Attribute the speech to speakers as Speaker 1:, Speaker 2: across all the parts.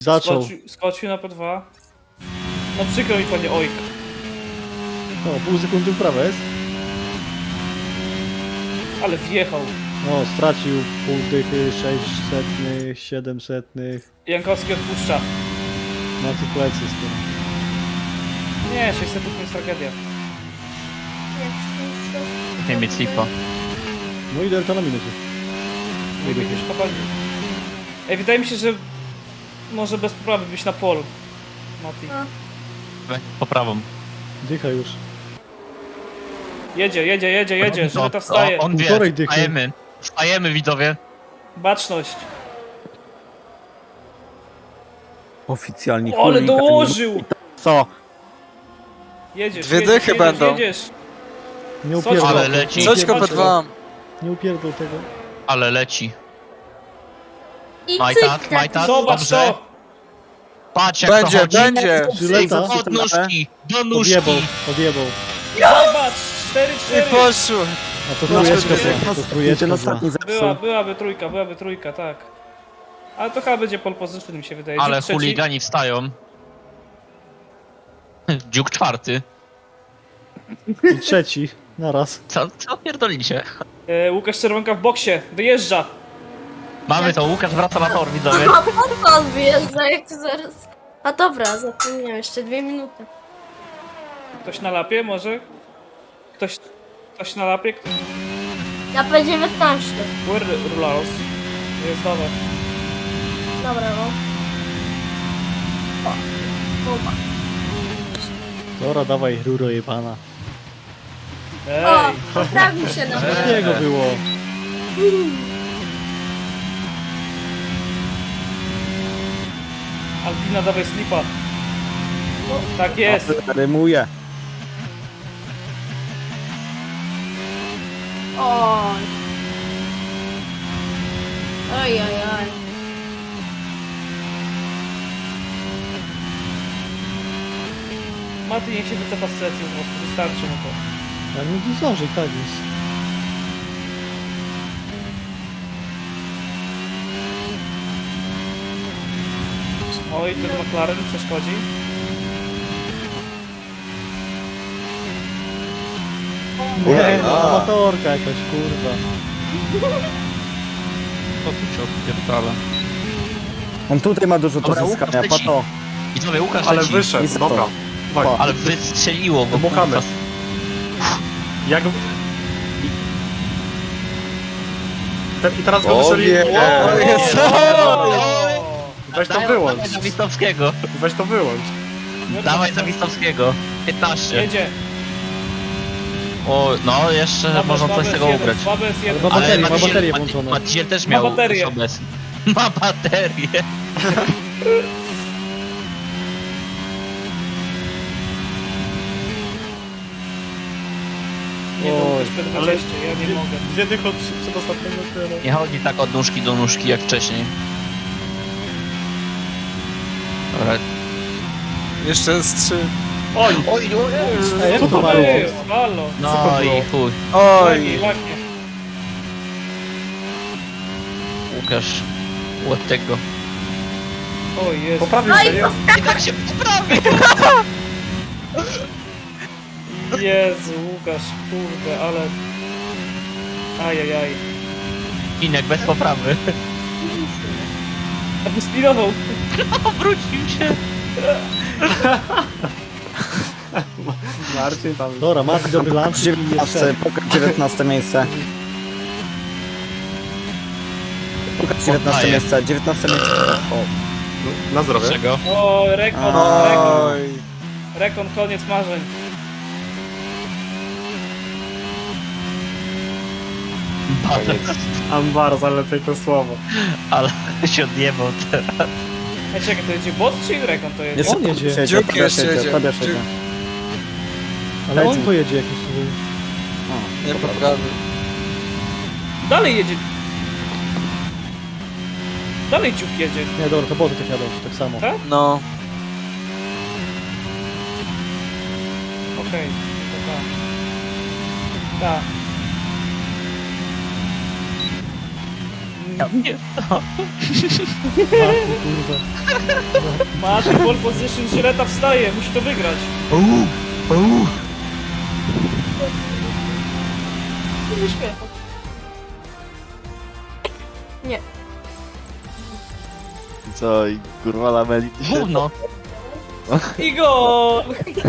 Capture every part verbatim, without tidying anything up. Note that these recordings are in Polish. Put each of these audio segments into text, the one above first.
Speaker 1: Zaczął.
Speaker 2: Skoczył, skoczył na P dwa. No przykro mi, panie Ojk.
Speaker 1: O, pół sekundy w prawo jest.
Speaker 2: Ale wjechał.
Speaker 1: No, stracił pół dychy, sześć setnych, siedem setnych.
Speaker 2: Jankowski odpuszcza.
Speaker 1: Na tych plecy skoro.
Speaker 2: Nie, sześćset to jest tragedia.
Speaker 3: Nie mieć slipa.
Speaker 1: No i delta na minusie.
Speaker 2: Nie będziesz kopalni. Ej, wydaje mi się, że może bez poprawy być na polu. Mati.
Speaker 3: Poprawą.
Speaker 1: Dycha już.
Speaker 2: Jedzie, jedzie, jedzie, jedzie,
Speaker 3: No,
Speaker 2: żeby to wstaje.
Speaker 3: o, on wie,
Speaker 1: Półtorej dychy.
Speaker 3: wstajemy. Wstajemy, widzowie.
Speaker 2: Baczność.
Speaker 4: Oficjalnie
Speaker 2: O, ale
Speaker 4: chuligan.
Speaker 2: dołożył!
Speaker 4: Co?
Speaker 2: Jedziesz,
Speaker 5: Dwie
Speaker 2: jedziesz,
Speaker 5: dychy
Speaker 2: jedziesz,
Speaker 5: będą.
Speaker 2: jedziesz.
Speaker 1: Nie
Speaker 2: Co
Speaker 1: upierdol.
Speaker 3: Ale leci.
Speaker 1: Nie
Speaker 5: Coś go
Speaker 1: upierdol
Speaker 5: P dwa.
Speaker 1: Nie upierdol tego.
Speaker 3: Ale leci.
Speaker 6: I
Speaker 3: Majtat,
Speaker 6: cyk,
Speaker 3: majtat.
Speaker 2: Zobacz
Speaker 3: Dobrze.
Speaker 2: to!
Speaker 3: Patrz jak
Speaker 5: Będzie,
Speaker 3: to chodzi.
Speaker 5: będzie.
Speaker 1: Żyleta.
Speaker 3: Od nóżki, do nóżki.
Speaker 1: Odjebał, odjebał.
Speaker 2: Zobacz! cztery
Speaker 5: I
Speaker 2: cztery!
Speaker 5: poszło.
Speaker 1: A to
Speaker 2: No,
Speaker 1: trójeczka
Speaker 2: cztery.
Speaker 1: była. To trójeczka
Speaker 4: Ten
Speaker 1: była.
Speaker 4: ostatni
Speaker 2: Była,
Speaker 4: zepsuł.
Speaker 2: byłaby trójka, byłaby trójka, tak. Ale to chyba będzie pole position, mi się wydaje.
Speaker 3: Ale
Speaker 2: Dziób trzeci.
Speaker 3: chuligani wstają. Dziuk czwarty.
Speaker 1: I trzeci. Naraz.
Speaker 3: Co, co pierdolicie?
Speaker 2: E, Łukasz Czerwonka w boksie, wyjeżdża.
Speaker 3: Mamy to, Łukasz wraca na tor, widzowie.
Speaker 6: A po co on wyjeżdża, jak to zaraz... A dobra, zapomniałem, jeszcze dwie minuty.
Speaker 2: Ktoś na lapie może? Ktoś, ktoś na lapie? Ktoś...
Speaker 6: Ja P dziewiętnaście.
Speaker 2: Where Rularos? Jest nowe.
Speaker 6: Dobra, no. O, Kuba.
Speaker 1: Dobra, dawaj, ruro jebana.
Speaker 2: Ej!
Speaker 6: O, poprawił się na
Speaker 1: Z niego było.
Speaker 2: Alpina, dawaj slipa. Tak jest.
Speaker 4: Rymuje.
Speaker 6: Oj. Oj, oj, oj.
Speaker 2: Mati niech się wycofa z sesji po prostu, wystarczy mu to.
Speaker 1: Ale nie zdąży, tak jest.
Speaker 2: Oj, ten McLaren przeszkodzi.
Speaker 1: Nie, no, amatorka jakaś, kurwa.
Speaker 3: To tu cię odpierdala.
Speaker 4: On tutaj ma dużo do
Speaker 3: Dobra, Łukasz
Speaker 4: zyskania,
Speaker 3: leci.
Speaker 4: pato.
Speaker 3: Widzowie, Łukasz
Speaker 7: Ale
Speaker 3: leci.
Speaker 7: wyszedł,
Speaker 4: Jest
Speaker 7: dobra.
Speaker 4: to.
Speaker 7: Dawaj.
Speaker 3: Ale wystrzeliło go.
Speaker 7: Dmuchamy.
Speaker 3: kurwa.
Speaker 7: Jak... I, Te, I teraz go
Speaker 5: O
Speaker 7: wystrzeli...
Speaker 5: nie.
Speaker 7: O,
Speaker 3: jest.
Speaker 7: Weź to
Speaker 3: Dawaj,
Speaker 7: wyłącz.
Speaker 3: Dawaj Zawistowskiego.
Speaker 7: Weź to wyłącz.
Speaker 3: Dawaj Zawistowskiego. piętnaście.
Speaker 2: Jedzie.
Speaker 3: O, no jeszcze
Speaker 2: Słabe,
Speaker 3: można coś
Speaker 2: słabe
Speaker 3: z tego
Speaker 2: jest
Speaker 3: ugrać.
Speaker 2: jeden, słabe jest jeden.
Speaker 1: Ma baterię, ma
Speaker 3: Maciej-
Speaker 1: baterię
Speaker 3: Maciej-
Speaker 1: włączoną.
Speaker 3: Maciej też
Speaker 2: Ma
Speaker 3: miał
Speaker 2: baterię.
Speaker 3: osobę. Ma baterię.
Speaker 2: Nie
Speaker 1: Oj,
Speaker 2: wiem, też P dwadzieścia, ja nie mogę.
Speaker 7: Dwie dychy od przedostatniego tyle.
Speaker 3: Nie chodzi tak od nóżki do nóżki jak wcześniej. Dobra.
Speaker 5: Jeszcze jest trzy.
Speaker 2: Oj!
Speaker 3: Oj, oj,
Speaker 1: Ej,
Speaker 2: Co
Speaker 1: to
Speaker 2: to
Speaker 1: mało.
Speaker 2: jest? Halo!
Speaker 3: no i chuj.
Speaker 2: Ładnie,
Speaker 5: Oj.
Speaker 2: ładnie.
Speaker 3: Łukasz. Łeb tego.
Speaker 2: Oj, jest.
Speaker 7: Poprawił się, jest.
Speaker 3: I tak się poprawi.
Speaker 2: Jezu, Łukasz, kurde, ale... Ajajaj.
Speaker 3: Kinek bez poprawy.
Speaker 2: Aby spinował.
Speaker 3: Obrócił się.
Speaker 7: Marcin tam...
Speaker 1: Dobra, Mati dobry lunch i jest
Speaker 4: dziewiętnaście,
Speaker 1: szef.
Speaker 4: pokaż dziewiętnaste miejsce. Pokaż dziewiętnaste
Speaker 3: Oddaję.
Speaker 4: miejsce, dziewiętnaste miejsce. O,
Speaker 7: Na zdrowie.
Speaker 3: Czego?
Speaker 2: O, rekon, rekon.
Speaker 5: Oj.
Speaker 2: Rekon, koniec marzeń.
Speaker 7: Ambaros, ale tylko słowo.
Speaker 3: Ale się odjebał teraz.
Speaker 2: Ej, czekaj, to jedzie bot czy rekon to jedzie?
Speaker 4: Jeszcze
Speaker 1: On jedzie.
Speaker 4: jedzie,
Speaker 5: Dziób
Speaker 4: Tobiasz
Speaker 5: jeszcze
Speaker 4: jedzie,
Speaker 5: jedzie.
Speaker 4: Tobiasz
Speaker 5: Dziób.
Speaker 4: jedzie.
Speaker 1: Ale on
Speaker 4: Leci.
Speaker 1: pojedzie jakiś tutaj.
Speaker 5: Nie poprawił.
Speaker 2: Dalej jedzie. Dalej ciup jedzie.
Speaker 1: Nie, dobra, to boty tak jadą, tak samo.
Speaker 2: Tak?
Speaker 5: No.
Speaker 2: Okej, to tak. Tak.
Speaker 3: Nie,
Speaker 1: Martin, kurwa.
Speaker 2: Martin, pole position, Żyleta wstaje, musi to wygrać.
Speaker 3: uuu, uuu.
Speaker 6: Nie śmiechu. Nie.
Speaker 8: Co, i kurwa lameli dzisiaj?
Speaker 3: Gówno.
Speaker 2: I gol!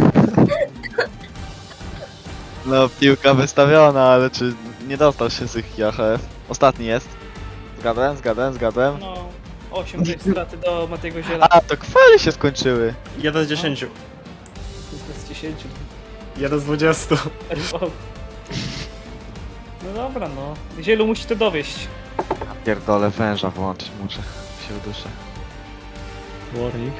Speaker 8: No, piłka wystawiona, ale czy nie dostał się z ich A H F? Ostatni jest. Zgadłem, zgadłem, zgadłem.
Speaker 2: No, osiem tej straty do Matiego Ziela.
Speaker 8: A, to kwale się skończyły.
Speaker 7: jeden z dziesięciu.
Speaker 2: Z dziesięciu.
Speaker 7: jeden z dwudziestu.
Speaker 2: No dobra, no. Zielu musi to dowieść.
Speaker 8: Pierdolę, węża włączyć muszę. Się uduszę.
Speaker 1: Warning.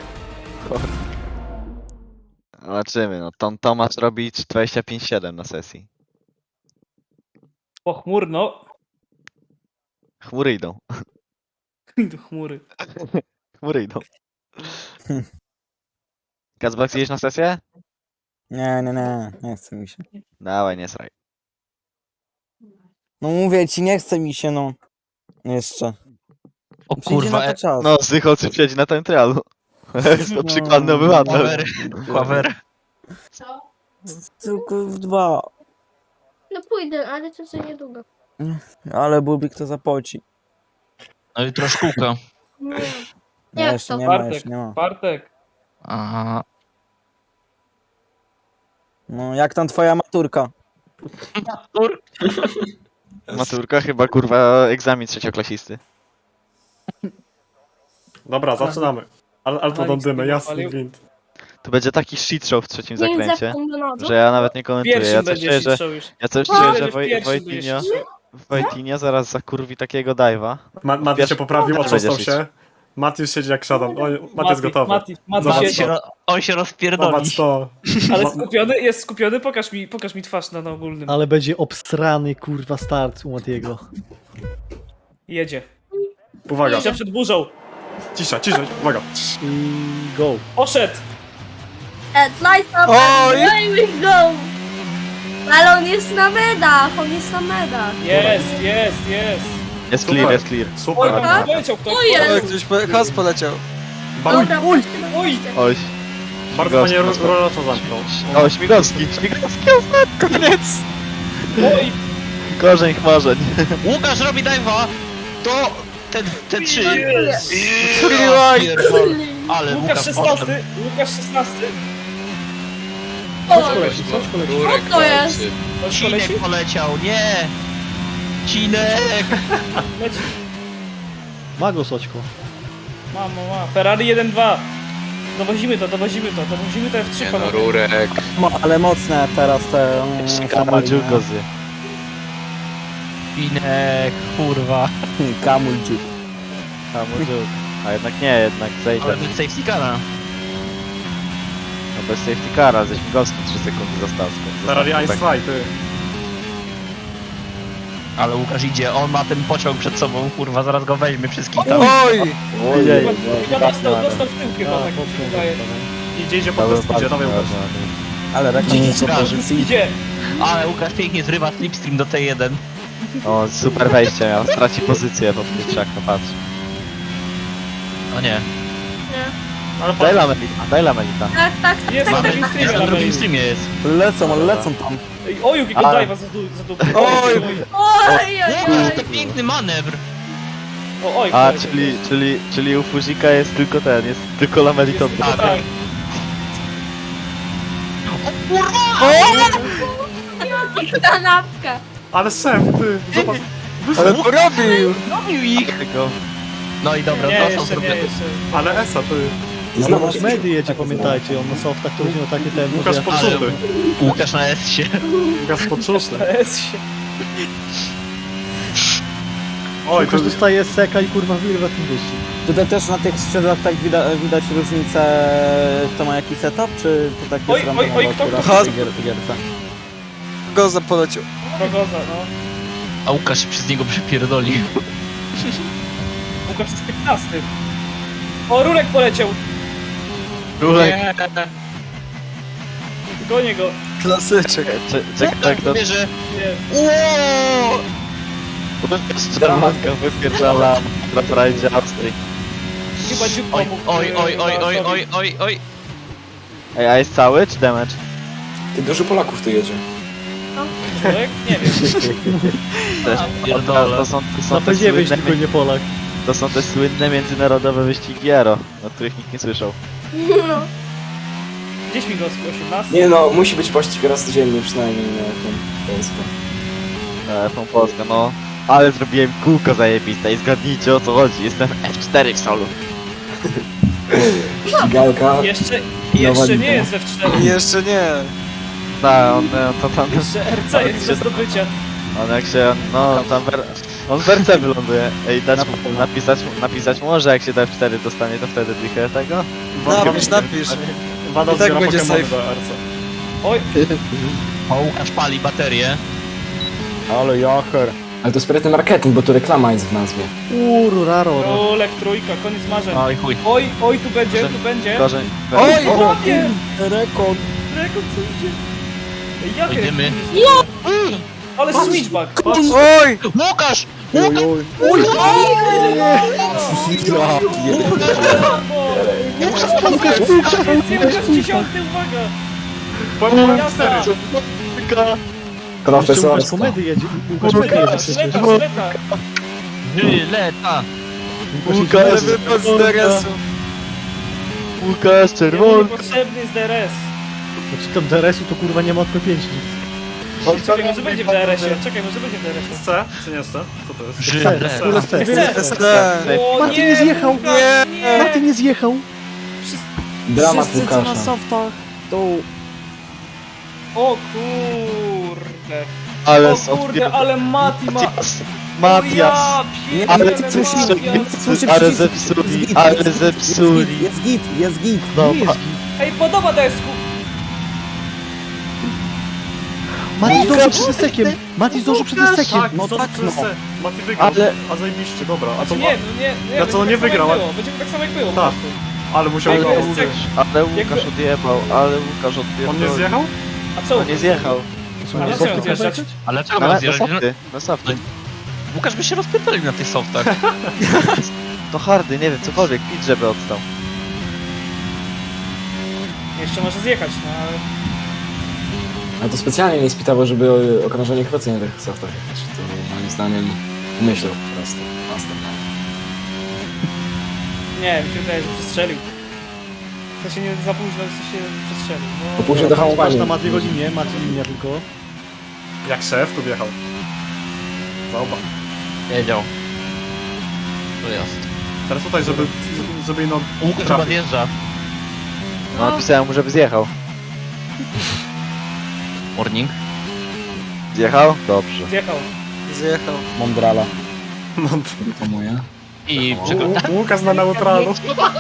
Speaker 8: Zobaczymy, no. Tom Tomasz robi dwadzieścia pięć siedem na sesji.
Speaker 2: Pochmurno.
Speaker 8: Chmury idą.
Speaker 2: Do chmury.
Speaker 8: Chmury idą. Kazbak, jedziesz na sesję?
Speaker 4: Nie, nie, nie, nie chce mi się.
Speaker 8: Dawaj, nie sraj.
Speaker 4: No mówię ci, nie chce mi się, no. Jeszcze.
Speaker 3: O
Speaker 4: Przyjdzie
Speaker 3: kurwa,
Speaker 4: na to
Speaker 3: e,
Speaker 4: czas.
Speaker 8: No, Zycho, czy siedzi na tym trialu. Jest to przykładny obywatel.
Speaker 3: Kławer, kławer.
Speaker 6: Co?
Speaker 4: Tylko w dwa.
Speaker 6: No pójdę, ale to co niedługo.
Speaker 4: Ale byłby kto zapłaci.
Speaker 3: No jutro szkółka.
Speaker 6: Nie.
Speaker 4: Nie,
Speaker 6: Jak
Speaker 4: jeszcze
Speaker 6: to?
Speaker 4: nie ma,
Speaker 2: Bartek,
Speaker 4: jeszcze nie ma.
Speaker 2: Bartek.
Speaker 3: Aha.
Speaker 4: No, jak tam twoja maturka?
Speaker 3: Tur.
Speaker 8: Maturka chyba, kurwa, egzamin trzecioklasisty.
Speaker 7: Dobra, zaczynamy. Ale, ale to
Speaker 2: Alex
Speaker 7: dądymy,
Speaker 2: tego
Speaker 7: jasny
Speaker 2: palił.
Speaker 7: gwint.
Speaker 8: Tu będzie taki shit show w trzecim
Speaker 6: Nie
Speaker 8: zakręcie,
Speaker 6: zepnę do nodu.
Speaker 8: że ja nawet nie komentuję.
Speaker 2: Pierwszym
Speaker 8: Ja coś
Speaker 2: będzie
Speaker 8: czuję, że,
Speaker 2: strzał już.
Speaker 8: ja coś
Speaker 6: O!
Speaker 8: czuję, że
Speaker 2: Będzie w
Speaker 8: Woj-
Speaker 2: pierwszym
Speaker 8: Wojtinio,
Speaker 2: będzie strzał.
Speaker 8: Wojtinio zaraz zakurwi takiego dive'a.
Speaker 7: Ma, Mati
Speaker 8: Wiesz-
Speaker 7: się poprawił,
Speaker 8: Też
Speaker 7: otrzastał
Speaker 8: będziesz
Speaker 7: się. Mati już siedzi jak szatan. O, Mati jest gotowy.
Speaker 2: Mati, Mati
Speaker 7: Zobacz
Speaker 3: Mati
Speaker 2: siedzi.
Speaker 3: się ro, on się rozpierdoli.
Speaker 7: Zobacz to.
Speaker 2: Ale
Speaker 7: Ma-
Speaker 2: skupiony, jest skupiony, pokaż mi, pokaż mi twarz na, na ogólnym.
Speaker 1: Ale będzie obsrany, kurwa, start u Matiego.
Speaker 2: Jedzie.
Speaker 7: Uwaga,
Speaker 2: Cisza przed burzą.
Speaker 7: cisza, cisza, uwaga.
Speaker 1: I go.
Speaker 2: Poszedł.
Speaker 6: Ed, light up,
Speaker 5: Oj!
Speaker 6: Ed, we go! Ale on jest na medach, on jest na medach.
Speaker 2: Jest, jest, jest.
Speaker 8: Jest
Speaker 7: Super.
Speaker 8: clear, jest clear.
Speaker 2: Oj,
Speaker 7: Super.
Speaker 6: Dobra.
Speaker 2: poleciał ktoś.
Speaker 6: O jest.
Speaker 5: O, ktoś po... Has poleciał.
Speaker 7: Ba-
Speaker 6: Dobra,
Speaker 2: Oj.
Speaker 8: Oj,
Speaker 7: Bardzo fajnie rolacza zamknął.
Speaker 8: o, Śmigowski, Śmigowski, ostatni.
Speaker 5: Koniec!
Speaker 2: Oj,
Speaker 8: Korzeń chmarzeń.
Speaker 3: Łukasz robi dive'a. To te, te trzy.
Speaker 2: jest.
Speaker 3: Ja pierdolę. Ale
Speaker 2: Łukasz
Speaker 3: Łukasz
Speaker 2: szesnasty, Łukasz szesnasty.
Speaker 6: O,
Speaker 1: Poleci, coś poleci.
Speaker 6: co to jest?
Speaker 2: Ktoś poleci?
Speaker 3: Cinek poleciał, nie! Cinek!
Speaker 2: Leci.
Speaker 1: Ma go, Soćko.
Speaker 2: Mamo, ma. Ferrari jeden dwa. Dowozimy to, dowozimy to, dowozimy to F trzy, panowie.
Speaker 4: Mo, ale mocne teraz te... mm,
Speaker 8: Jeszcze
Speaker 4: Ferrari,
Speaker 8: kamal
Speaker 4: nie?
Speaker 8: dziurkozy.
Speaker 3: Cinek, kurwa.
Speaker 4: Kamul dziur.
Speaker 8: Kamal dziur. A jednak nie, jednak zejdę.
Speaker 3: Ale bez safety cara.
Speaker 8: No bez safety cara, ze Śmigowskim trzy sekundy został.
Speaker 7: Ferrari Ice Fly, ty.
Speaker 3: Ale Łukasz idzie, on ma ten pociąg przed sobą, kurwa, zaraz go weźmie wszystkich tam.
Speaker 5: Oj!
Speaker 8: Ojej,
Speaker 2: Chyba dostał, dostał w tył chyba, tak mi się wydaje.
Speaker 7: Idzie, idzie po prostu, idzie, dawaj Łukasz.
Speaker 4: Ale rekord
Speaker 3: Dzieci
Speaker 4: pozycji.
Speaker 2: Idzie.
Speaker 3: Ale Łukasz pięknie zrywa slipstream do T jeden.
Speaker 8: O, super wejście miał, straci pozycję pod krzaka, patrz.
Speaker 3: O nie.
Speaker 6: Nie.
Speaker 7: Ale
Speaker 8: Daj
Speaker 7: patrz,
Speaker 8: lamelita, daj lamelita.
Speaker 6: Tak, tak, tak,
Speaker 2: Jest
Speaker 6: tak,
Speaker 2: na
Speaker 6: tak.
Speaker 2: drugim
Speaker 3: Jest na
Speaker 2: streamie.
Speaker 3: drugim streamie jest.
Speaker 4: Lecą, ale lecą tam.
Speaker 2: Ej, Oj, jakiego
Speaker 8: Ale-
Speaker 2: dive'a za dół, za dół.
Speaker 5: Oj.
Speaker 6: Oj, oj,
Speaker 3: Łukasz,
Speaker 6: oj.
Speaker 3: to piękny manewr.
Speaker 2: O, oj,
Speaker 8: A,
Speaker 2: poleciał.
Speaker 8: czyli, czyli, czyli u Fuzika jest tylko ten, jest tylko lameliton.
Speaker 2: Tak, tak.
Speaker 6: Kanapka.
Speaker 7: ale szef, ty, zobacz.
Speaker 5: Ale porobił!
Speaker 3: Robił ich.
Speaker 8: Tylko
Speaker 3: No i dobra,
Speaker 2: Nie,
Speaker 3: to są
Speaker 2: jeszcze nie,
Speaker 3: zrobione.
Speaker 2: jeszcze.
Speaker 7: Ale Esa, ty.
Speaker 1: Znowu Medy jedzie, pamiętajcie, on na softach to będzie miał takie tempo,
Speaker 7: Łukasz
Speaker 1: że...
Speaker 7: poczuty.
Speaker 3: Łukasz na S-sie.
Speaker 7: Łukasz poczuty.
Speaker 2: Jest się.
Speaker 7: Oj, to
Speaker 1: Łukasz dostaje seka i kurwa wyrwa tym wyścig.
Speaker 4: Tutaj też na tych skrzydłach tak widać, widać różnicę, kto ma jaki setup, czy to tak
Speaker 2: Oj,
Speaker 4: jest
Speaker 2: oj,
Speaker 4: randomowo
Speaker 2: oj, kto-
Speaker 4: akurat
Speaker 5: kto-
Speaker 4: w tej gier- gierce?
Speaker 5: Goza poleciał.
Speaker 2: Progoza, no.
Speaker 3: A Łukasz się przez niego przypierdolił.
Speaker 2: Łukasz jest piętnasty. O, Rurek poleciał.
Speaker 8: Rurek,
Speaker 2: Gonię go.
Speaker 5: Klasyczek.
Speaker 8: czekaj, jak to...
Speaker 3: Wie, że...
Speaker 2: Jest.
Speaker 3: Ło!
Speaker 8: Szczermanka wypierdala na rajdzie Austrii.
Speaker 2: Chyba dziób
Speaker 3: Oj,
Speaker 2: pomógł.
Speaker 3: oj,
Speaker 2: yy,
Speaker 3: oj, oj, oj,
Speaker 2: Lasowi.
Speaker 3: oj, oj, oj.
Speaker 8: Ej, a jest cały czy damage?
Speaker 9: Ty, dużo Polaków tu jedzie.
Speaker 2: Człowiek? Nie wiem.
Speaker 8: Też,
Speaker 3: pierdolę.
Speaker 8: to są, to są
Speaker 1: Na
Speaker 8: te
Speaker 1: P dziewięć
Speaker 8: słynne,
Speaker 1: tylko nie Polak.
Speaker 8: to są te słynne międzynarodowe wyścigi Aero, o których nikt nie słyszał.
Speaker 6: No.
Speaker 2: Gdzieś Migowski, osiemnasty.
Speaker 9: Nie no, musi być pościg raz dziennie przynajmniej na F jeden Polskę.
Speaker 8: E, F jeden Polska, no. Ale zrobiłem kółko zajebiste i zgadnijcie o co chodzi, jestem F cztery w solu.
Speaker 9: Ścigalka.
Speaker 2: Jeszcze, jeszcze nie
Speaker 9: liga.
Speaker 2: jest we cztery.
Speaker 5: Jeszcze nie.
Speaker 8: Tak, on, on to tam,
Speaker 2: Jeszcze R C jest do zdobycia.
Speaker 8: on jak się, no on tam, wer, on w R C wyląduje. Ej, dać, mu- napisać, mu- napisać mu, że jak się do F cztery dostanie, to wtedy klikę tego?
Speaker 5: Napisz, napisz.
Speaker 7: Wada
Speaker 5: I tak
Speaker 7: zbiera
Speaker 5: będzie
Speaker 7: Pokemony
Speaker 5: safe.
Speaker 7: do R C.
Speaker 2: Oj,
Speaker 3: O, Łukasz pali baterię.
Speaker 4: Ale jacher.
Speaker 9: Ale to sprytny marketing, bo tu reklama jest w nazwie.
Speaker 1: Uru, raro. No.
Speaker 2: Olek, trójka, koniec marzeń.
Speaker 3: Oj chuj.
Speaker 2: Oj, oj, tu będzie,
Speaker 8: Może-
Speaker 2: tu będzie.
Speaker 8: Gorzej.
Speaker 5: Oj!
Speaker 2: O nie!
Speaker 4: Rekord.
Speaker 2: Rekord co idzie? Ej, Jak
Speaker 3: Idziemy.
Speaker 2: Ale switchback! Patrz.
Speaker 5: Oj!
Speaker 3: Łukasz!
Speaker 1: Oj, oj.
Speaker 2: Łukasz, Łukasz, dziesiąty, uwaga!
Speaker 7: Powiem
Speaker 2: Jazda!
Speaker 7: cztery.
Speaker 1: Jeszcze Łukasz
Speaker 9: Profesorsko.
Speaker 1: komedy jedzie. Łukasz komedy jedzie przecież.
Speaker 2: Żleta, żleta!
Speaker 3: Żyleta!
Speaker 5: Ale wypadł z D R S-u.
Speaker 8: Łukasz
Speaker 2: Jemu
Speaker 8: czerwony.
Speaker 2: niepotrzebny jest D R S.
Speaker 1: Znaczy tam D R S-u to kurwa nie ma od P pięć nic.
Speaker 2: Czekaj, może będzie w D R S-ie. Czekaj, może będzie w D R S-ie.
Speaker 7: C? Czy nie C? Co to jest?
Speaker 3: Żyleta!
Speaker 1: Kurde, C.
Speaker 2: Chcę.
Speaker 5: C.
Speaker 2: O
Speaker 1: Martin nie zjechał.
Speaker 2: Łukasz, nie!
Speaker 1: Martin nie zjechał.
Speaker 9: Dramat Łukasza.
Speaker 4: softach. To...
Speaker 2: O kurde!
Speaker 8: Ale
Speaker 2: O
Speaker 8: są
Speaker 2: kurde, ale Mati ma...
Speaker 8: Matias. Matias.
Speaker 2: O
Speaker 8: Ale
Speaker 2: ja
Speaker 8: ty
Speaker 2: pierdzielę,
Speaker 8: coś
Speaker 2: Matias.
Speaker 8: Ale zepsuli, ale zepsuli.
Speaker 4: Jest git, jest git.
Speaker 1: Nie
Speaker 8: Dobra.
Speaker 1: jest git.
Speaker 2: Ej, podoba to jest ku...
Speaker 1: Mati zdążył przed estekiem. Mati zdążył przed estekiem.
Speaker 7: Tak,
Speaker 4: No
Speaker 7: no
Speaker 4: tak,
Speaker 7: tak,
Speaker 4: no.
Speaker 7: C. Mati wygrał.
Speaker 8: Ale-
Speaker 7: A zajebiście, dobra. A to
Speaker 2: Znaczy
Speaker 7: ma...
Speaker 2: nie, no nie, nie,
Speaker 7: Ja
Speaker 2: będzie
Speaker 7: co,
Speaker 2: tak
Speaker 7: nie
Speaker 2: samo jak
Speaker 7: wygrał, a-
Speaker 2: było, Będzie tak samo jak było po
Speaker 7: Tak.
Speaker 2: prostu.
Speaker 7: Ale musiał
Speaker 2: Jakby
Speaker 7: go
Speaker 2: jest
Speaker 7: uderzyć.
Speaker 8: Ale Łukasz
Speaker 2: Jakby-
Speaker 8: odjebał, ale Łukasz odjebał.
Speaker 7: On nie zjechał?
Speaker 2: A co?
Speaker 8: On nie zjechał.
Speaker 1: Co,
Speaker 2: Ale
Speaker 1: na
Speaker 2: co,
Speaker 1: softy
Speaker 2: zjeżdżać?
Speaker 1: pojechać?
Speaker 3: Ale czego
Speaker 8: Na,
Speaker 3: mam
Speaker 8: na
Speaker 3: zjeżdżać?
Speaker 8: softy, na softy.
Speaker 3: Łukasz by się rozpierdolił na tych softach.
Speaker 8: To hardy, nie wiem, cokolwiek, pit żeby odstał.
Speaker 2: Jeszcze może zjechać, no ale...
Speaker 9: Ale to specjalnie nie spitało, żeby okrążenie krócej na tych softach jechać. To moim zdaniem myślał po prostu. Master.
Speaker 2: Nie, mi się wydaje, że przestrzelił. To się nie za późno, to się przestrzelił.
Speaker 9: Po
Speaker 2: No,
Speaker 9: później do
Speaker 1: Patrz
Speaker 9: hamowania.
Speaker 1: na Matiego linię, Mati linia tylko.
Speaker 7: Jak szef tu wjechał. Zauba.
Speaker 3: Wiedział. To jest.
Speaker 7: Teraz tutaj, żeby, żeby no...
Speaker 3: Łukasz chyba
Speaker 7: trafić.
Speaker 3: zjeżdża.
Speaker 8: No napisałem mu, żeby zjechał.
Speaker 3: Morning.
Speaker 8: Zjechał? Dobrze.
Speaker 2: zjechał.
Speaker 5: Zjechał.
Speaker 4: Mondrala.
Speaker 7: No,
Speaker 9: To moje.
Speaker 3: I przykład.
Speaker 7: Łukasz na neutralu.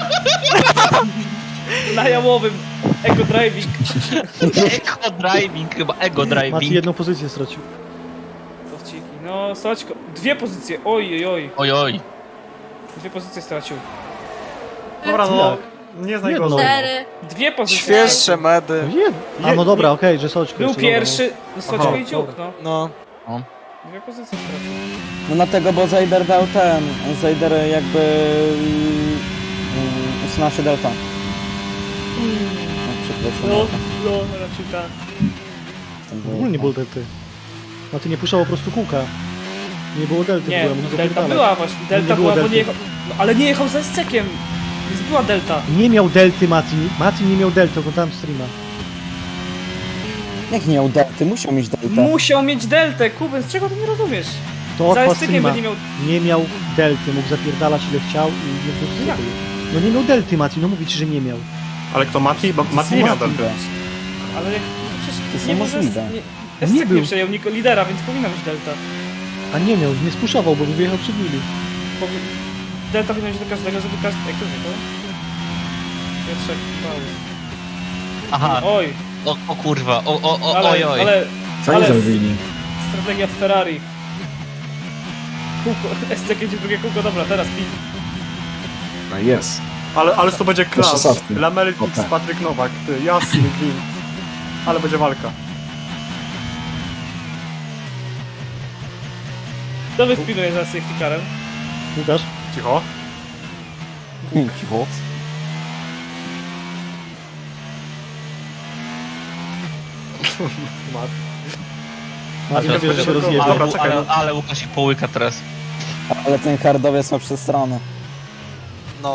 Speaker 2: Na jamowym. Eco driving.
Speaker 3: Ego driving, chyba ego
Speaker 1: Mati
Speaker 3: driving.
Speaker 1: jedną pozycję stracił.
Speaker 2: Dowciki. No, Soćko. Dwie pozycje. Oj, oj, oj.
Speaker 3: Oj, oj.
Speaker 2: Dwie pozycje stracił.
Speaker 7: Dobra, no.
Speaker 1: Jak?
Speaker 7: Nie jest
Speaker 1: Jedno.
Speaker 7: najgorzej.
Speaker 6: Cztery.
Speaker 2: Dwie pozycje.
Speaker 5: Świeższe
Speaker 1: No
Speaker 5: medy.
Speaker 1: jed... A no dobra, okej, że Soczko
Speaker 2: Był
Speaker 1: jeszcze,
Speaker 2: pierwszy. No, Soćko
Speaker 7: Aha,
Speaker 2: i dziób, no.
Speaker 5: No.
Speaker 2: Dwie pozycje stracił.
Speaker 4: No dlatego, bo Zajder dał ten. Zajder jakby... Um, usunął się delta. No, przepraszam.
Speaker 2: No, no, raczej tak.
Speaker 4: Tam
Speaker 1: W
Speaker 4: było-
Speaker 1: ogóle nie było delty. Mati nie puszczał po prostu kółka. Nie było delty,
Speaker 2: Nie,
Speaker 1: była, mógł
Speaker 2: delta
Speaker 1: zapierdalać.
Speaker 2: była właśnie. Delta
Speaker 1: Nie było
Speaker 2: była, bo
Speaker 1: delty.
Speaker 2: nie jechał... No, ale nie jechał za escekiem. Więc była delta.
Speaker 1: Nie miał delty Mati. Mati nie miał delty, oglądałem streama.
Speaker 4: Jak nie miał delty? Musiał mieć delta.
Speaker 2: Musiał mieć deltę, Kuben, z czego ty nie rozumiesz?
Speaker 1: To
Speaker 2: Za
Speaker 1: odpal
Speaker 2: escekiem
Speaker 1: streama.
Speaker 2: będzie miał...
Speaker 1: Nie miał delty, mógł zapierdalać ile chciał i nie wrócił.
Speaker 2: Jak?
Speaker 1: No nie miał delty Mati, no mówię ci, że nie miał.
Speaker 7: Ale kto Mati? Bo Mati nie miał delty.
Speaker 2: Ale jak... Przecież
Speaker 4: To jest
Speaker 2: nie może...
Speaker 4: niemożliwe.
Speaker 2: Nie,
Speaker 1: Nie
Speaker 2: Escek nie
Speaker 1: był.
Speaker 2: przejął niko lidera, więc powinna być delta.
Speaker 1: A nie miał, nie spuszował, bo by wyjechał przed nimi.
Speaker 2: Powi... Delta powinna być do każdego, żeby każdy... Jak to zjechał? Piotrek, Paulus.
Speaker 3: Aha.
Speaker 2: Oj,
Speaker 3: O, o kurwa. O, o, o,
Speaker 2: ale,
Speaker 3: oj, oj.
Speaker 2: ale
Speaker 9: Co oni
Speaker 2: Ale-
Speaker 9: zrobili?
Speaker 2: strategia Ferrari. Kółko, Escek jedzie drugie kółko, dobra, teraz pit.
Speaker 9: No jest.
Speaker 7: Ale, ale to będzie
Speaker 9: Jeszcze
Speaker 7: klas.
Speaker 9: softy.
Speaker 7: Lamel
Speaker 9: O,
Speaker 7: X,
Speaker 9: tak.
Speaker 7: Patryk Nowak, ty, jasny gwint. Ale będzie walka.
Speaker 2: Kto wyspinuje za safety carem?
Speaker 1: Łukasz?
Speaker 7: Cicho.
Speaker 4: Cicho.
Speaker 7: Mat.
Speaker 1: Martin
Speaker 7: Ale
Speaker 1: wiesz, że się
Speaker 7: będzie-
Speaker 1: rozjebie.
Speaker 7: Dobra,
Speaker 3: Ale,
Speaker 7: czekaj,
Speaker 3: ale,
Speaker 7: no.
Speaker 3: ale Łukasz ich połyka teraz.
Speaker 4: Ale ten hardowiec ma przestronę.
Speaker 5: No.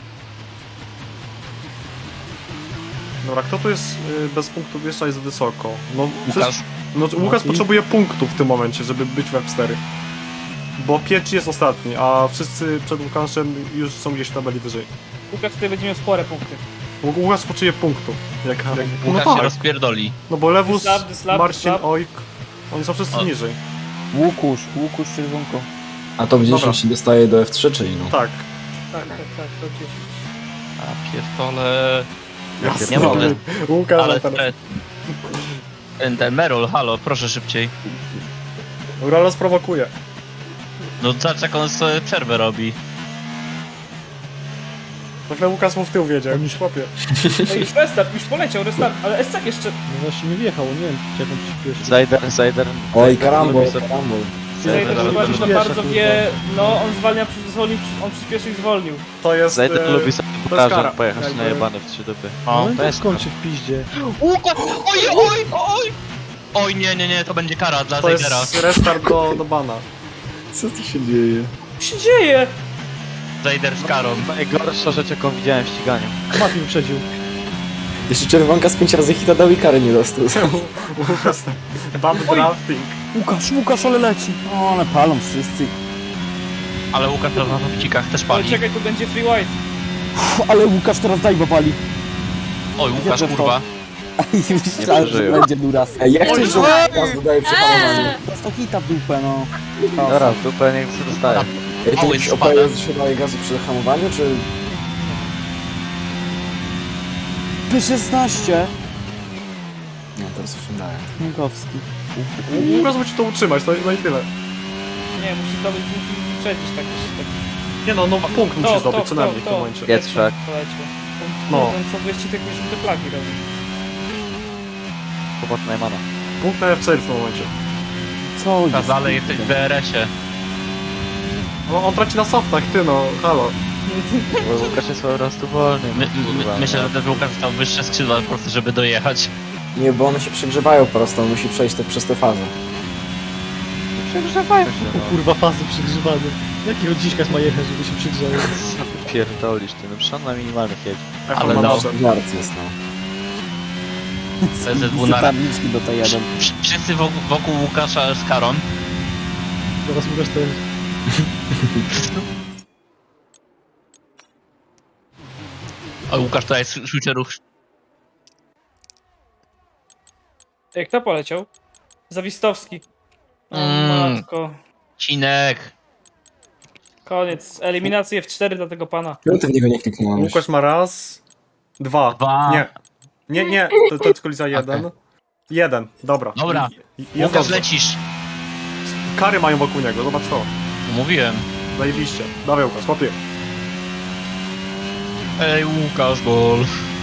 Speaker 7: Dobra, kto tu jest y, bez punktów jeszcze jest wysoko? No,
Speaker 3: Łukasz.
Speaker 7: przecież, no Łukasz
Speaker 1: Mati?
Speaker 7: potrzebuje punktów w tym momencie, żeby być w F cztery. Bo Piecz jest ostatni, a wszyscy przed Łukaszem już są gdzieś w tabeli wyżej.
Speaker 2: Łukasz tutaj będzie miał spore punkty.
Speaker 7: Łu- Łukasz potrzebuje punktów. Jak, jak, no
Speaker 3: Łukasz się
Speaker 7: tak,
Speaker 3: rozpierdoli.
Speaker 7: no bo Lewus,
Speaker 2: Dyslab, dyslab,
Speaker 7: Marcin,
Speaker 2: dyslab.
Speaker 7: Ojk, oni są wszyscy
Speaker 3: O.
Speaker 7: niżej.
Speaker 4: Łukusz, Łukusz czerwonko.
Speaker 9: A top
Speaker 7: Dobra.
Speaker 9: dziesięć się dostaje do F trzy, czyli no.
Speaker 7: Tak.
Speaker 2: Tak, tak, tak, to dziesięć.
Speaker 3: A pierdolę.
Speaker 7: Jasne.
Speaker 3: Nie mogę.
Speaker 7: Łukasz,
Speaker 3: Ale
Speaker 7: teraz.
Speaker 3: stres. Ten, ten Merol, halo, proszę szybciej.
Speaker 7: Urala sprowokuje.
Speaker 3: No zobacz jak on sobie przerwę robi.
Speaker 7: Na chwilę Łukasz mu w tył wiedzie,
Speaker 1: On już-
Speaker 7: chłopie.
Speaker 2: No już restart, już poleciał, restart, ale Escak jeszcze...
Speaker 1: No właśnie nie wjechał, nie wiem jak on przyspieszy.
Speaker 8: Zajder, Zajder.
Speaker 9: Oj, karambol,
Speaker 8: Lubi sobie-
Speaker 9: karambol.
Speaker 2: Zajdę,
Speaker 8: Zajder,
Speaker 2: że
Speaker 8: lubi
Speaker 2: bardzo,
Speaker 1: sobie-
Speaker 2: bardzo
Speaker 1: Wiesz,
Speaker 2: wie... No, on zwalnia, zwolnił, on przyspieszył i zwolnił.
Speaker 7: To jest...
Speaker 8: Zajder
Speaker 7: e,
Speaker 8: lubi sobie
Speaker 7: to jest kara.
Speaker 8: pokażę pojechać
Speaker 7: Jakby-
Speaker 8: na jebane w trzy dupy.
Speaker 1: No
Speaker 3: O,
Speaker 1: i
Speaker 8: to
Speaker 1: to
Speaker 8: jest
Speaker 1: skończy w piździe.
Speaker 3: Łukasz! Oj, oj, oj! Oj, nie, nie, nie, to będzie kara dla
Speaker 7: To
Speaker 3: Zajdera.
Speaker 7: jest restart do, do bana.
Speaker 1: Co tu się dzieje?
Speaker 2: Co się dzieje?
Speaker 3: Zajder z karą.
Speaker 8: Najgorsza rzecz jaką widziałem w ściganiu.
Speaker 1: Martin wyprzedził.
Speaker 9: Jeszcze czerwonka z pięć razy hita dał i kary nie dostał.
Speaker 7: Łukasz, bad drafting.
Speaker 4: Łukasz, Łukasz, ale leci. O, ale palą wszyscy.
Speaker 3: Ale Łukasz na zapcikach też
Speaker 2: Ale
Speaker 3: pali.
Speaker 2: czekaj, tu będzie free white.
Speaker 4: Uf, ale Łukasz teraz dajba pali.
Speaker 3: Oj, Łukasz,
Speaker 4: Jedę w to.
Speaker 3: kurwa.
Speaker 4: I myślałem, że
Speaker 8: przeżyją.
Speaker 4: będzie duras.
Speaker 9: Ej, jak
Speaker 5: Oj,
Speaker 9: to, że
Speaker 5: oj!
Speaker 9: raz dodaje przehalowanie?
Speaker 6: Eee!
Speaker 4: Prosto hita w dupę, no.
Speaker 8: Dobra, w dupę niech się dostaje.
Speaker 9: Ej, to
Speaker 3: Owen
Speaker 9: jakiś
Speaker 3: spada.
Speaker 9: opaj się daje gazu przy hamowaniu, czy...
Speaker 4: P szesnaście.
Speaker 9: Nie, teraz już nie daje.
Speaker 4: Minkowski.
Speaker 7: Łukasz musi to utrzymać, no, i- no i tyle.
Speaker 2: Nie, musi to być, musi wyprzedzić tak, tak.
Speaker 7: Nie no, no punkt musi
Speaker 2: To,
Speaker 7: zdobyć
Speaker 2: to,
Speaker 7: co
Speaker 2: to,
Speaker 7: najmniej w tym
Speaker 2: to.
Speaker 7: momencie.
Speaker 8: Jest szak.
Speaker 2: Poleciał.
Speaker 7: No.
Speaker 2: No. Ten co wyścig jakieś żółte flagi robi.
Speaker 8: Chłopak Najmana.
Speaker 7: Punkt na F cztery w tym momencie.
Speaker 4: Co jest?
Speaker 3: Łukasz, ale jesteś w D R S-ie.
Speaker 7: No, on traci na softach, ty no, halo.
Speaker 8: Bo Łukasz jest po prostu wolny.
Speaker 3: My,
Speaker 8: kurwa,
Speaker 3: my, myślę,
Speaker 8: no.
Speaker 3: że ten Łukasz dostał wyższe skrzydła po prostu, żeby dojechać.
Speaker 9: Nie, bo one się przegrzewają po prostu, on musi przejść te, przez tę fazę.
Speaker 8: Przegrzewają się,
Speaker 1: O
Speaker 8: no.
Speaker 1: kurwa, fazy przegrzewane. Jakiego dziśka ma jechać, żeby się przegrzały?
Speaker 8: Co ty pierdolisz, ty, no przecież on na minimalnych jedź.
Speaker 7: F
Speaker 3: Ale
Speaker 7: ma
Speaker 3: no.
Speaker 7: noże.
Speaker 9: Żart jest, no.
Speaker 3: P Z W na
Speaker 4: tabliczki do T jeden.
Speaker 3: Wsz- Wszyscy wokół, wokół Łukasza z karą.
Speaker 1: Zaraz Łukasz też.
Speaker 3: O, Łukasz tutaj jest switcherów.
Speaker 2: Jak to poleciał? Zawistowski. O
Speaker 3: Mm.
Speaker 2: matko.
Speaker 3: Cinek.
Speaker 2: Koniec. Eliminacje F cztery dla tego pana.
Speaker 9: Czemu ty w niego nie kliknąłem?
Speaker 7: Łukasz ma raz, dwa.
Speaker 3: Dwa.
Speaker 7: Nie. Nie, nie, to, to jest kolizja jeden. Jeden, dobra.
Speaker 3: Dobra.
Speaker 7: I- i- Jest
Speaker 3: Łukasz,
Speaker 7: dobrze.
Speaker 3: lecisz.
Speaker 7: Kary mają wokół niego, zobacz to.
Speaker 3: Mówiłem.
Speaker 7: Zajebiście. Dawaj Łukasz, chłopie.
Speaker 3: Ej, Łukasz, gol.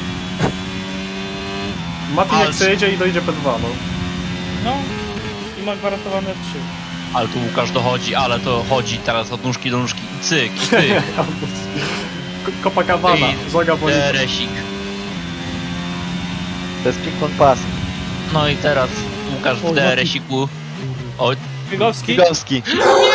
Speaker 7: Mati
Speaker 3: Ale-
Speaker 7: jak przejedzie i dojdzie P dwa, no.
Speaker 2: No. I ma gwarantowane F trzy.
Speaker 3: Ale tu Łukasz dochodzi, ale to chodzi teraz od nóżki do nóżki. I cyk, i cyk.
Speaker 7: K- Copacabana,
Speaker 3: I
Speaker 7: Zoga Bonita.
Speaker 3: Deresik.
Speaker 8: To jest ping-pong pass.
Speaker 3: No i teraz Łukasz w
Speaker 1: O,
Speaker 3: D R S-iku. O,
Speaker 2: Figowski.
Speaker 8: Figowski.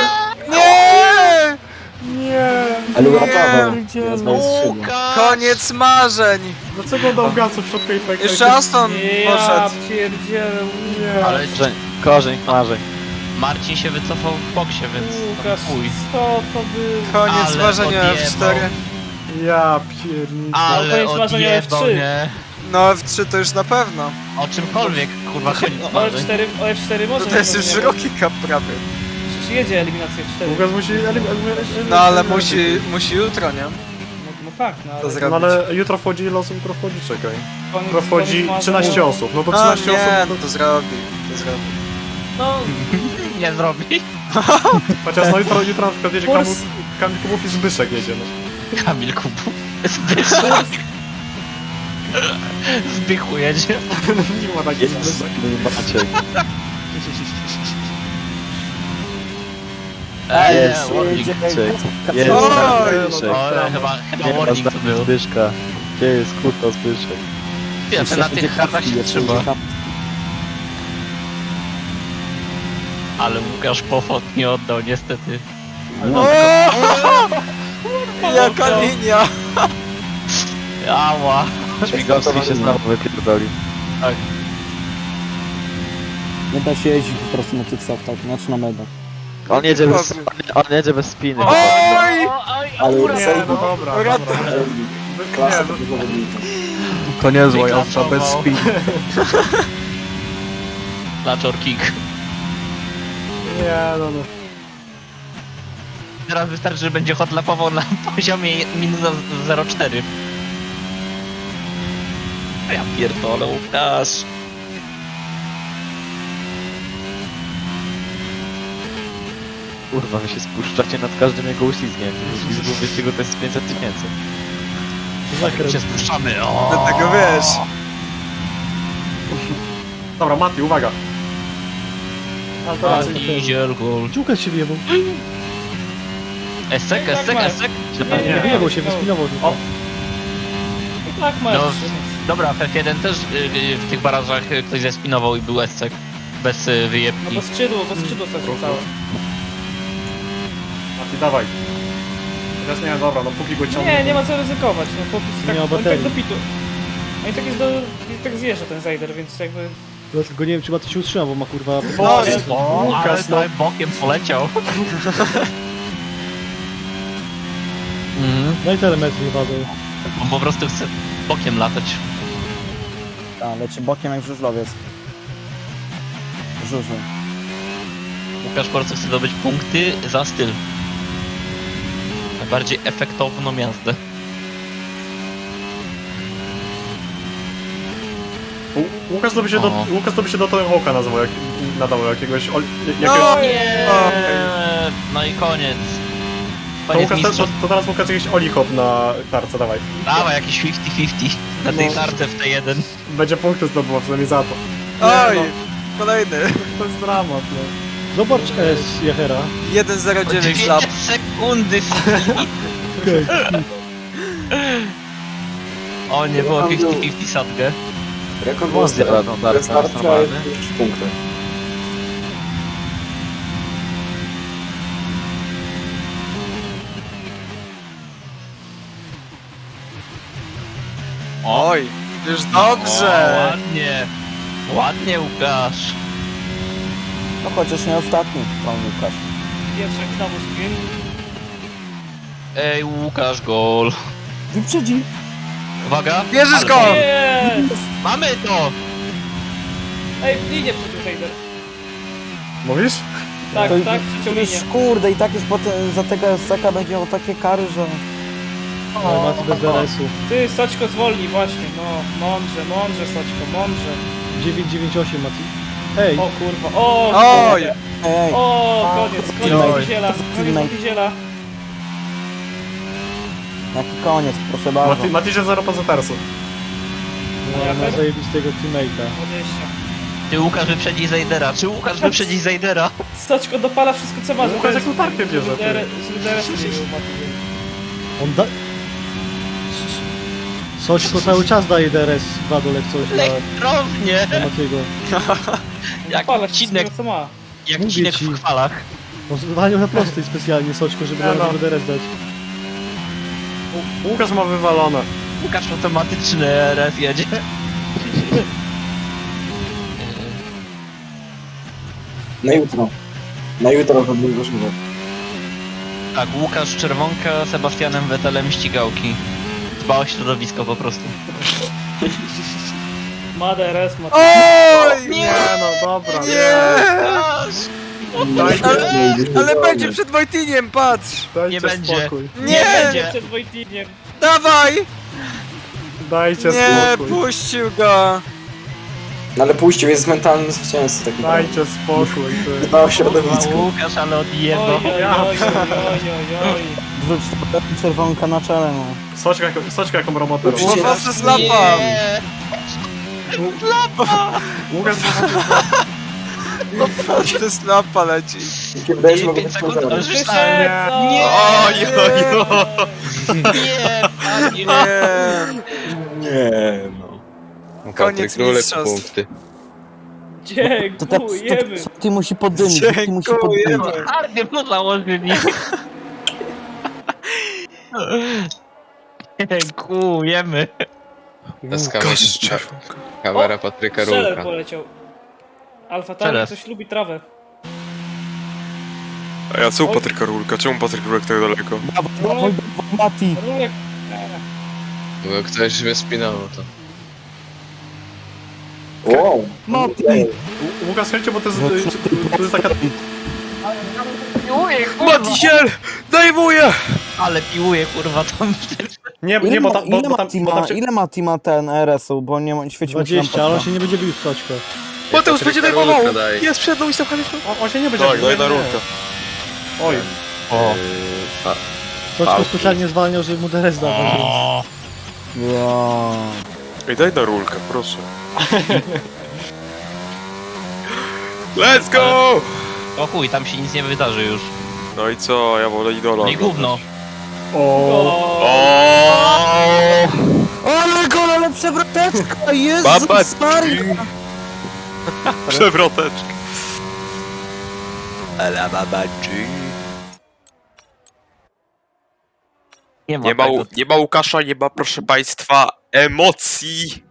Speaker 5: Nie!
Speaker 7: Nie!
Speaker 9: Ale uratował.
Speaker 4: Pierdziele.
Speaker 9: Teraz ma skrzydło.
Speaker 3: Łukasz!
Speaker 5: Koniec marzeń!
Speaker 7: Dlaczego dał gazu w środku i tak?
Speaker 5: Jeszcze Aston
Speaker 2: Ja
Speaker 5: poszedł.
Speaker 2: pierdzielę.
Speaker 7: Nie.
Speaker 3: Ale
Speaker 8: Korzeń, korzeń marzeń.
Speaker 3: Marcin się wycofał w boksie, więc
Speaker 2: Łukasz,
Speaker 3: chuj.
Speaker 2: co to by...
Speaker 5: Koniec
Speaker 3: Ale
Speaker 5: marzenia
Speaker 3: odjebał.
Speaker 5: F cztery.
Speaker 7: Ja pierniczę.
Speaker 3: Ale
Speaker 2: koniec marzenia F
Speaker 3: odjebał,
Speaker 2: trzy.
Speaker 3: nie?
Speaker 5: No F trzy to już na pewno.
Speaker 3: O czymkolwiek, kurwa, koniec
Speaker 2: O
Speaker 3: marzeń.
Speaker 2: F cztery, o F cztery może
Speaker 5: To, to jest
Speaker 2: nie
Speaker 5: już
Speaker 2: powinien-
Speaker 5: Rocky Cup prawie.
Speaker 2: Przecież jedzie eliminację F cztery.
Speaker 7: Łukasz musi...
Speaker 5: No ale musi, musi jutro, nie?
Speaker 2: No, no tak, no
Speaker 5: To
Speaker 2: ale...
Speaker 5: zrobić.
Speaker 7: No ale jutro wchodzi, ile osób jutro wchodzi, czekaj.
Speaker 2: Koniec,
Speaker 7: Jutro wchodzi
Speaker 2: koniec marzeń.
Speaker 7: trzynaście osób, no to
Speaker 5: No
Speaker 7: trzynaście
Speaker 5: nie,
Speaker 7: osób...
Speaker 5: no to zrobi. To zrobi.
Speaker 2: No,
Speaker 3: Nie zrobi.
Speaker 7: Chociaż no jutro, jutro na przykład jedzie
Speaker 2: Kurs.
Speaker 7: Kamil, Kamil Kubów i Zbyszek jedzie, no.
Speaker 3: Kamil Kubu. Zbyszek. Zbychu jedzie.
Speaker 7: Nie ma takich Zbyszek.
Speaker 8: Maciek.
Speaker 3: Ej,
Speaker 8: Jest,
Speaker 3: warning.
Speaker 8: Zbyszek. Jest,
Speaker 5: Oj!
Speaker 8: Zbyszek.
Speaker 3: O, chyba, chyba
Speaker 8: Nie ma
Speaker 3: warning to
Speaker 8: znaku
Speaker 3: był.
Speaker 8: Zbyszka. Gdzie jest kurwa Zbyszek?
Speaker 3: Ja ten na tych kartach się trzyma. Ale Łukasz Pofot nie oddał niestety.
Speaker 5: O! Jaka linia!
Speaker 3: Ała.
Speaker 8: Śmigowski się znowu wypierdolił.
Speaker 4: Nie da się jeździć po prostu na tych softach, znaczy na medach.
Speaker 8: On jedzie bez, on jedzie bez spiny.
Speaker 5: Oj!
Speaker 9: Ale
Speaker 7: Nie, no dobra, dobra.
Speaker 5: Ratuj.
Speaker 9: klasa
Speaker 7: Nie,
Speaker 9: tego zawodnika.
Speaker 7: To niezła
Speaker 3: Wyklasował.
Speaker 7: jazda, bez spiny.
Speaker 3: Laczor kick.
Speaker 7: Nie, no no.
Speaker 3: Teraz wystarczy, że będzie hotlapował na poziomie minus zero przecinek cztery. Ja pierdolę, Łukasz.
Speaker 8: Kurwa, wy się spuszczacie nad każdym jego uślizgiem. Uślizgu wyścigu to jest pięćset tysięcy.
Speaker 1: Zakręt.
Speaker 3: Się spuszczamy. O.
Speaker 5: Dlatego wiesz.
Speaker 7: Dobra, Mati, uwaga. Ale to raczej...
Speaker 3: Diesel gol.
Speaker 1: Dziuka się wyjebał.
Speaker 3: Esek,
Speaker 2: Tak,
Speaker 3: esek,
Speaker 2: Marek.
Speaker 3: esek.
Speaker 1: Nie,
Speaker 7: Nie.
Speaker 1: wyjebał się, wyspinował tylko.
Speaker 7: O.
Speaker 2: I tak masz.
Speaker 3: No, dobra, w F jeden też y, y, w tych barażach y, ktoś zespinował i był esek. Bez y,
Speaker 2: No
Speaker 3: wyjebki.
Speaker 2: bo skrzydło, bo skrzydło stracił całe.
Speaker 7: Mati, dawaj. Teraz nie, dobra, no póki go ciągnie.
Speaker 2: Nie, nie ma co ryzykować, no po prostu tak,
Speaker 1: Nie ma
Speaker 2: on tak
Speaker 1: baterii.
Speaker 2: do pitu. No i tak jest do, i tak zjeżdża ten Zajder, więc jakby...
Speaker 1: Dlatego nie wiem, czy Maty się utrzyma, bo ma kurwa...
Speaker 5: No,
Speaker 7: Oj,
Speaker 3: O, ale
Speaker 7: Łukasz, no.
Speaker 3: sobie bokiem poleciał. Mhm.
Speaker 1: No i telemetr nie padał.
Speaker 3: On po prostu chce bokiem latać.
Speaker 4: A, leci bokiem jak żużlowiec. Żużlu.
Speaker 3: Łukasz po prostu chce zdobyć punkty za styl. Najbardziej efektowną jazdę.
Speaker 7: Ł- Łukasz to by się do,
Speaker 3: O.
Speaker 7: Łukasz to by się do Tony Hawka nazywał, jak, nadawał jakiegoś... Ol, jakiegoś
Speaker 5: No,
Speaker 3: Nie.
Speaker 5: Okej.
Speaker 3: No i koniec.
Speaker 7: to,
Speaker 3: Koniec
Speaker 7: Łukasz, to,
Speaker 3: mistrzów.
Speaker 7: to teraz Łukasz jakiś Oli Hop na tarce, dawaj.
Speaker 3: Dawaj jakiś pięćdziesiąt pięćdziesiąt na tej tarce w T jeden.
Speaker 7: Będzie punkty zdobywał, przynajmniej za to.
Speaker 5: Oj!
Speaker 7: no.
Speaker 5: Kolejny.
Speaker 7: To jest dramat, no.
Speaker 1: Zobacz S Jachera.
Speaker 5: jeden zero dziewięć
Speaker 3: Dwie
Speaker 5: lap.
Speaker 3: sekundy.
Speaker 1: Okej.
Speaker 3: O, nie było pięćdziesiąt pięćdziesiąt sadgę.
Speaker 9: Rekord
Speaker 8: Wąs
Speaker 9: Monster.
Speaker 8: zjadł, no,
Speaker 9: Bez
Speaker 8: tak,
Speaker 9: starcia
Speaker 8: normalny.
Speaker 9: jest trzy punkty.
Speaker 5: Oj! Już
Speaker 3: O,
Speaker 5: dobrze!
Speaker 3: ładnie. Ładnie, Łukasz.
Speaker 4: No chociaż nie ostatni, pan Łukasz.
Speaker 2: Pietrzak znowu spin.
Speaker 3: Ej, Łukasz, gol.
Speaker 4: Wyprzedzi.
Speaker 3: Uwaga.
Speaker 5: Bierzesz
Speaker 3: Ale-
Speaker 5: go!
Speaker 2: Jest!
Speaker 3: Mamy to!
Speaker 2: Ej, linię przeciw Zajder.
Speaker 7: Mówisz?
Speaker 2: Tak,
Speaker 4: To
Speaker 2: tak, przeciął
Speaker 4: Już
Speaker 2: linię.
Speaker 4: kurde i tak już potem za tego S C K będzie miał takie kary, że...
Speaker 1: Ale Maty bez D R S-u.
Speaker 2: Ty, Soćko zwolnij, właśnie, no. Mądrze, mądrze, Soćko, mądrze.
Speaker 1: dziewięć dziewięć osiem Maty. Ej,
Speaker 2: O kurwa, o!
Speaker 5: Oj!
Speaker 2: kurde.
Speaker 4: Ej,
Speaker 2: O, koniec, koniec
Speaker 4: Oj.
Speaker 2: Motyziela, koniec
Speaker 4: Teammate.
Speaker 2: Motyziela.
Speaker 4: jaki koniec, proszę bardzo.
Speaker 7: Mati, Mati się zero poza tarsu.
Speaker 1: no, ma zajebistego teammate'a.
Speaker 2: dwadzieścia.
Speaker 3: Ty, Łukasz wyprzedzi Zajdera. Czy Łukasz wyprzedzi Zajdera?
Speaker 2: Soćko dopala wszystko co ma.
Speaker 7: Łukasz jaką tarkę bierze, ty.
Speaker 2: Z D R S-u nie był Motyziel.
Speaker 1: On da... Soćko cały czas daje D R S Wadol jak coś dla,
Speaker 3: Elektrownie!
Speaker 1: dla Matiego.
Speaker 3: Jak
Speaker 2: Dopala
Speaker 3: odcinek,
Speaker 2: wszystko co ma.
Speaker 3: jak
Speaker 1: Mówię
Speaker 3: odcinek
Speaker 1: ci.
Speaker 3: w chwalach.
Speaker 1: On zwalniał na prostej specjalnie Soćko, żeby
Speaker 7: Ja no.
Speaker 1: na D R S dać.
Speaker 7: Ł- Łukasz ma wywalone.
Speaker 3: Łukasz automatyczny R S jedzie.
Speaker 9: Na jutro. Na jutro robimy żużel.
Speaker 3: Tak, Łukasz Czerwonka z Sebastianem Vettelem ścigałki. Dba o środowisko po prostu.
Speaker 2: Ma D R S, ma...
Speaker 5: Oj!
Speaker 7: Nie no, dobra, nie.
Speaker 5: Nie!
Speaker 7: Dajcie,
Speaker 5: Ale, ale będzie przed Wojtiniem, patrz!
Speaker 7: dajcie
Speaker 3: Nie będzie.
Speaker 7: spokój.
Speaker 5: Nie!
Speaker 3: będzie.
Speaker 2: Przed Wojtiniem.
Speaker 5: Dawaj!
Speaker 7: Dajcie
Speaker 5: Nie,
Speaker 7: spokój.
Speaker 5: puścił go!
Speaker 9: No ale puścił, jest mentalny zwycięzca taki.
Speaker 7: Dajcie spokój, ty.
Speaker 9: Dba o
Speaker 3: Kurwa,
Speaker 9: środowisko.
Speaker 3: Łukasz, ale
Speaker 2: Oj,
Speaker 3: odjebał.
Speaker 2: oj, oj, oj, oj, oj.
Speaker 4: Wrzuć to czerwonka na czele, no.
Speaker 7: Soczka, jaką- Soczka jaką robotę robi.
Speaker 5: Łapał przez lapa!
Speaker 3: Nie.
Speaker 7: Łukasz
Speaker 5: To jest lampa leci.
Speaker 9: Wydaje się, mogę
Speaker 3: pięć
Speaker 9: być
Speaker 3: sekund,
Speaker 9: pożarem.
Speaker 3: już myślałem. Nie!
Speaker 5: Oj, oj, oj.
Speaker 3: Nie, panie.
Speaker 5: Nie.
Speaker 9: Nie, no.
Speaker 5: Koniec mistrzostw.
Speaker 4: To te to,
Speaker 2: Dziękujemy.
Speaker 4: Ty musi poddymić, ty musi poddymić.
Speaker 3: Hardy mu założyli. Dziękujemy.
Speaker 5: Łukasz Czerwonka.
Speaker 2: Kamera Patryka Rulka. Strzeler poleciał. Alfa Tauri
Speaker 3: Teraz.
Speaker 2: coś lubi trawę.
Speaker 5: A ja co u Patryka Rulka? Czemu Patryk Rulek tak daleko?
Speaker 4: Brawo, brawo, brawo, Mati.
Speaker 2: Rulek.
Speaker 10: Bo ktoś mnie spinało to.
Speaker 9: Wow.
Speaker 4: Mati.
Speaker 7: Ł- Łukasz, słuchajcie, bo to jest, to jest taka...
Speaker 3: Piłuję, kurwa.
Speaker 5: Matisiel! Dajwuję!
Speaker 3: Ale piłuję, kurwa, tam.
Speaker 7: Nie,
Speaker 4: Ile,
Speaker 7: nie, bo,
Speaker 4: ma,
Speaker 7: ta, bo,
Speaker 4: ile,
Speaker 7: bo tam...
Speaker 4: Mati
Speaker 7: Bo tam
Speaker 4: ma,
Speaker 7: się...
Speaker 4: ile Mati ma ten R S-u, bo nie ma, świeci mu się
Speaker 1: dwadzieścia, ale on
Speaker 4: lampa.
Speaker 1: się nie będzie bił w stoczko.
Speaker 5: Mateusz będzie dajwował!
Speaker 10: Daj.
Speaker 5: Jest przed mną i stopkami.
Speaker 7: On, on się nie będzie
Speaker 5: Tak,
Speaker 7: bił,
Speaker 5: daj
Speaker 7: nie,
Speaker 5: na
Speaker 7: nie, nie.
Speaker 5: Rulka.
Speaker 7: Oj.
Speaker 3: O.
Speaker 1: Stoczko specjalnie zwalniał, żeby mu D R S dawać.
Speaker 4: Wow.
Speaker 5: Ej, daj na Rulka, proszę. Let's go!
Speaker 3: O chuj, tam się nic nie wydarzy już.
Speaker 5: No i co, ja wolę idola.
Speaker 3: Nie gówno.
Speaker 7: O.
Speaker 5: O!
Speaker 4: Ale gol, ale przewroteczka!
Speaker 5: Baba
Speaker 4: Jezus Maria!
Speaker 5: Przewroteczka. Ale baba G.
Speaker 3: Nie ma,
Speaker 5: Nie ma,
Speaker 3: tego.
Speaker 5: u- nie ma Łukasza, nie ma, proszę państwa, emocji.